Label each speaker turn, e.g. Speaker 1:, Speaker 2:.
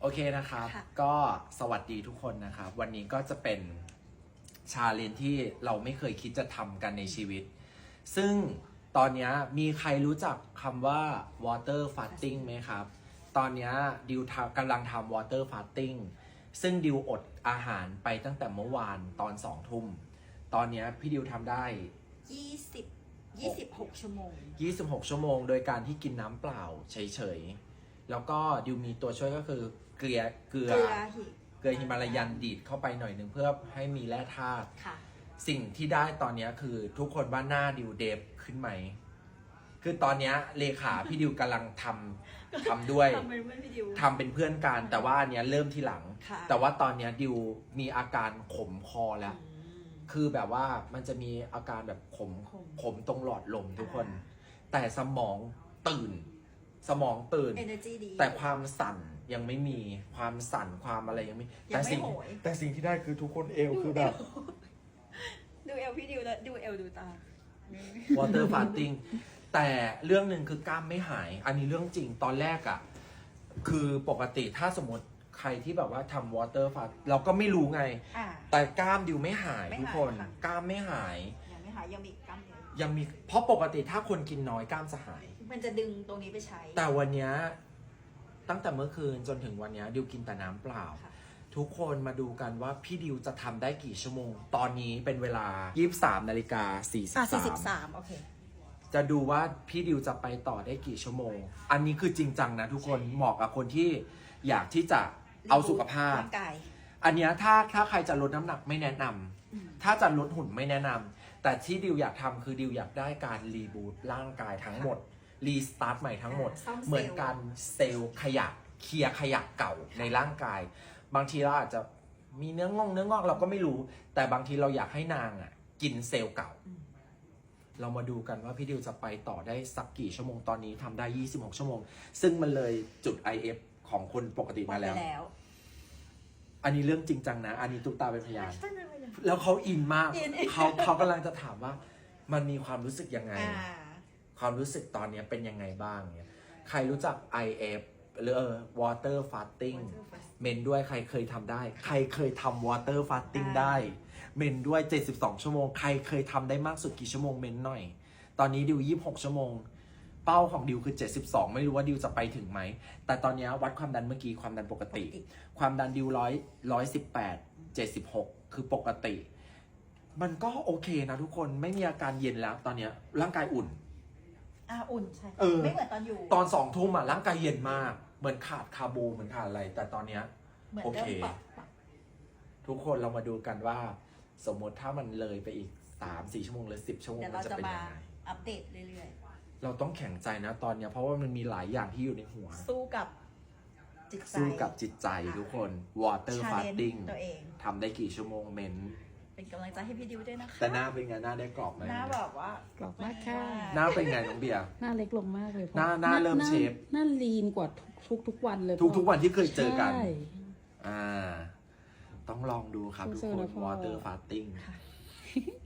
Speaker 1: โอเคนะครับ
Speaker 2: ค่ะ
Speaker 1: ก็สวัสดีทุกคนนะครับ วันนี้ก็จะเป็นชาเลนจ์ที่เราไม่เคยคิดจะทำกันในชีวิต ซึ่งตอนนี้มีใครรู้จักคำว่า water fasting ไหมครับ ตอนนี้ดิวกำลังทำ water fasting ซึ่งดิวอดอาหารไปตั้งแต่เมื่อวานตอน2 ทุ่ม ตอนนี้พี่ดิวทำได้
Speaker 2: 26 ชั่วโมง
Speaker 1: 26 ชั่วโมง โดยการที่กินน้ำเปล่าเฉยๆ แล้วก็ดิวมีตัวช่วยก็คือเกลือฮิมาลายันดีดเข้าไปหน่อยหนึ่งเพื่อให้มีแร่ธาตุ
Speaker 2: ค่ะ
Speaker 1: สิ่งที่ได้ตอนนี้คือทุกคนว่าหน้าดิวเดฟขึ้นไหม คือตอนนี้เลขาพี่ดิวกำลังทำด้วย
Speaker 2: ทำเป็นเพื่อนพี่ดิว
Speaker 1: ทำเป็นเพื่อนกัน แต่ว่าอันเนี้ยเริ่มที่หลัง
Speaker 2: ค่ะ
Speaker 1: แต่ว่าตอนเนี้ยดิวมีอาการขมคอแล้ว คือแบบว่ามันจะมีอาการแบบขมตรงหลอดลมทุกคน แต่สมองตื่น
Speaker 2: Energy ดี
Speaker 1: แต่ความสั่นยังไม่มีความสั่นความอะไรยังไม่
Speaker 2: ยังไม่โหย
Speaker 1: แต่สิ่งที่ได้คือทุกคนเอวคือแบบ
Speaker 2: ดูเอลพี่ดิวแล้วดูเอลดูตา
Speaker 1: water fasting แต่เรื่องหนึ่งคือกล้ามไม่หาย อันนี้เรื่องจริงตอนแรกอะคือปกติถ้าสมมติใครที่แบบว่าทำ water fast เราก็ไม่รู้ไง แต่กล้ามดิวไม่หาย
Speaker 2: ไม่หาย
Speaker 1: ทุกคน
Speaker 2: ค่ะ
Speaker 1: กล้ามไม่หาย
Speaker 2: ยังไม่หายยังมีกล้ามเนื้อ
Speaker 1: ยังมีเพราะปกติถ้าคนกินน้อยกล้ามจะหาย
Speaker 2: มันจะดึงตรงนี้ไปใช้
Speaker 1: แต่วันเนี้ยตั้งแต่เมื่อคืนจนถึงวันเนี้ยดิวกินแต่น้ำเปล่า
Speaker 2: ค่ะ
Speaker 1: ทุกคนมาดูกันว่าพี่ดิวจะทำได้กี่ชั่วโมง ตอนนี้เป็นเวลา 23:43
Speaker 2: โอเค
Speaker 1: จะดูว่าพี่ดิวจะไปต่อได้กี่ชั่วโมง อันนี้คือจริงจังนะทุกคนเหมาะกับคนที่อยากที่จะเอาสุขภาพ
Speaker 2: ร่างกาย
Speaker 1: อันเนี้ยถ้าใครจะลดน้ำหนักไม่แนะนำถ้าจะลดหุ่นไม่แนะนำแต่ที่ดิวอยากทำคือดิวอยากได้การรีบูตร่างกายทั้งหมดรีสตาร์ทใหม่ทั้งหมด
Speaker 2: ซ่อมเซลล์
Speaker 1: เหมือนการเซลล์ขยะเคลียร์ขยะเก่าในร่างกาย บางทีเราอาจจะมีเนื้องอกเราก็ไม่รู้ แต่บางทีเราอยากให้นางอ่ะกินเซลล์เก่า เรามาดูกันว่าพี่ดิวจะไปต่อได้สักกี่ชั่วโมงตอนนี้ทำได้ 26 ชั่วโมง ซึ่งมันเลยจุด IF ของคนปกติมาแล้ว อันนี้เรื่องจริงจังนะ อันนี้ตุ๊กตาเป็นพยาน แล้วเขาอินมาก เขากำลังจะถามว่ามันมีความรู้สึกยังไง ความรู้สึกตอนนี้เป็นยังไงบ้างเนี่ยใครรู้จัก IF หรือ water fasting เมนด้วยใครเคยทำได้ ใครเคยทำ water fasting ได้ เมนด้วย 72 ชั่วโมง ใครเคยทำได้มากสุดกี่ชั่วโมงเมนหน่อย ตอนนี้ดิว 26 ชั่วโมง เป้าของดิวคือ 72 ไม่รู้ว่าดิวจะไปถึงไหม แต่ตอนนี้วัดความดันเมื่อกี้ความดันปกติ ความดันดิว118 76 คือปกติ มันก็โอเคนะทุกคน ไม่มีอาการเย็นแล้ว ตอนนี้ร่างกายอุ่น
Speaker 2: อุ่นใช่
Speaker 1: เออ
Speaker 2: ไม่เหมือนตอนอยู่
Speaker 1: ตอน2 ทุ่มร่างกายเย็นมาก เหมือนขาดคาร์โบเหมือนขาดอะไร แต่ตอนเนี้ย
Speaker 2: เหมือน
Speaker 1: โอ
Speaker 2: เริ่
Speaker 1: เค
Speaker 2: มปรับ
Speaker 1: ทุกคนเรามาดูกันว่า สมมติถ้ามันเลยไปอีก 3-4 ชั่วโมงหรือ10 ชั่วโมง
Speaker 2: เดี๋ยว
Speaker 1: มั
Speaker 2: เรา
Speaker 1: นจะ
Speaker 2: จะ
Speaker 1: เป็น
Speaker 2: มา
Speaker 1: ยังไง
Speaker 2: อัปเดตเรื่อย
Speaker 1: เราต้องแข็งใจนะตอนเนี้ยเพราะว่ามันมีหลายอย่างที่อยู่ในหัว
Speaker 2: ๆ สู้กับจิตใจ
Speaker 1: สู้กับจิตใจทุกคน water
Speaker 2: challenge
Speaker 1: fasting
Speaker 2: ตัวเอง
Speaker 1: ทำได้กี่ชั่วโมงเมน
Speaker 2: เป็นกำลังใจให้พี่ดิวด้วยนะคะ
Speaker 1: แต่หน้าเป็นไงหน้าได้กรอบไหม
Speaker 2: หน้าแบบว่า
Speaker 3: กรอบมากค่ะ
Speaker 1: หน้าเป็นไงน้องเบียร์
Speaker 3: หน้าเล็กลงมากเลย
Speaker 1: หน้าเริ่มเชฟ
Speaker 3: หน้าลีนกว่าทุกวันเลย
Speaker 1: ทุกวันที่เคยเจอกัน
Speaker 3: ใช่
Speaker 1: ต้องลองดูครับทุก
Speaker 3: สู้
Speaker 1: คน
Speaker 3: ๆนะพ่อ
Speaker 1: water fasting
Speaker 2: ค่ะ